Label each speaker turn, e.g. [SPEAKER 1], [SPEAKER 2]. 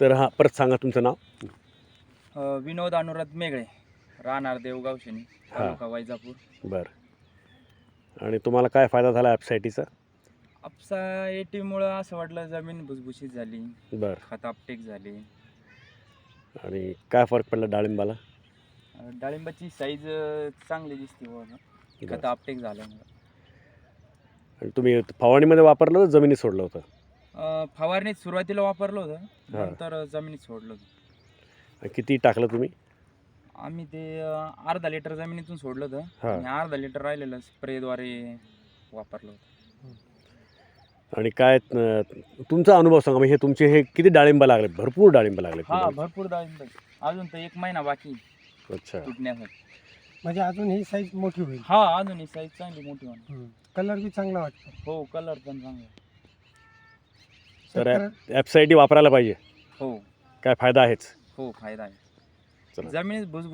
[SPEAKER 1] तर हां, परत सांगा तुमचं नाव.
[SPEAKER 2] विनोद अनुराध मेघळे, राहणार देवगाव शनी, तालुका वैजापूर.
[SPEAKER 1] बरं. आणि तुम्हाला काय फायदा झाला ॲप्सायटीचा?
[SPEAKER 2] आपसा एटीमुळं असं वाटलं जमीन भुसभुशीत झाली,
[SPEAKER 1] बरं.
[SPEAKER 2] खत आपटेक झाली.
[SPEAKER 1] आणि काय फरक पडला डाळिंबाला?
[SPEAKER 2] डाळिंबाची साईज चांगली दिसते बघा, खत
[SPEAKER 1] बरं.
[SPEAKER 2] आपटेक झाल्यामुळं.
[SPEAKER 1] आणि तुम्ही फवारणीमध्ये वापरलं होतं, जमिनीत सोडलं होतं?
[SPEAKER 2] फवारणीत सुरुवातीला वापरलं होतं,
[SPEAKER 1] हां.
[SPEAKER 2] नंतर जमिनीत सोडलं होतं.
[SPEAKER 1] आणि किती टाकलं तुम्ही?
[SPEAKER 2] आम्ही ते अर्धा लिटर जमिनीतून सोडलं होतं
[SPEAKER 1] हां.
[SPEAKER 2] आणि अर्धा लिटर राहिलेलं स्प्रेद्वारे वापरलं होतं.
[SPEAKER 1] आणि काय तुमचा अनुभव सांगा. म्हणजे हे तुमचे हे किती डाळिंब लागले? भरपूर डाळिंब लागले
[SPEAKER 2] हा,
[SPEAKER 1] तुम्हाला?
[SPEAKER 2] भरपूर डाळिंब आहे. अजून तर 1 महिना बाकी
[SPEAKER 1] अच्छा.
[SPEAKER 2] तुटण्यासाठी.
[SPEAKER 3] म्हणजे अजून ही साईज मोठी होईल.
[SPEAKER 2] हा, अजून ही साईज चांगली मोठी होणार.
[SPEAKER 3] कलर बी चांगला वाटतो.
[SPEAKER 2] हो, कलर पण चांगला आहे.
[SPEAKER 1] तर
[SPEAKER 3] शेतकऱ्या-
[SPEAKER 1] ॲप्सायटी वापरायला पाहिजे.
[SPEAKER 2] हो
[SPEAKER 1] काय फायदा आहेच.
[SPEAKER 2] हो, फायदा आहे.
[SPEAKER 1] चला.
[SPEAKER 2] जमिनीत भुसभुशीत